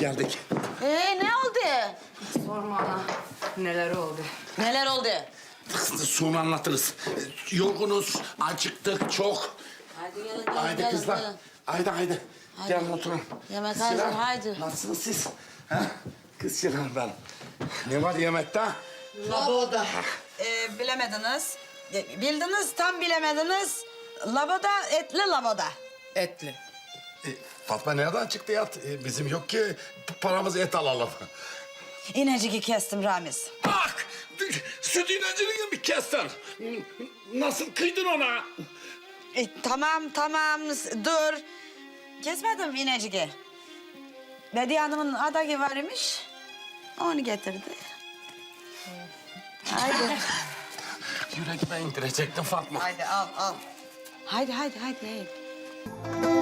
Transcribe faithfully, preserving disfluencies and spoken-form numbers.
geldik. Ee ne oldu? Sorma ana. Neler oldu? Neler oldu? Sonra anlatırız. Yorgunuz, acıktık çok. Haydi gelin gelin Haydi gelin, kızlar. gelin. Haydi haydi. Haydi. Gelin oturun. Yemek Kız hazır, Şilan, haydi. Nasılsınız siz? Ha? Kız Şilan ben. Ne var yemekte? Laboda. Ee, bilemediniz. E, Bildiniz, tam bilemediniz. Laboda, etli laboda. Etli. E, Fatma nereden çıktı ya? E, bizim yok ki paramız et alalım. İneciki kestim Ramiz. Bak! Süt ineciliği mi kestin? Nasıl kıydın ona? E, tamam, tamam, s- dur. Kesmedim ineciki. Bediye Hanım'ın adayı var imiş. Onu getirdi. Haydi. Yüreğime indirecektin Fatma. Haydi al, al. Haydi, haydi, haydi. haydi.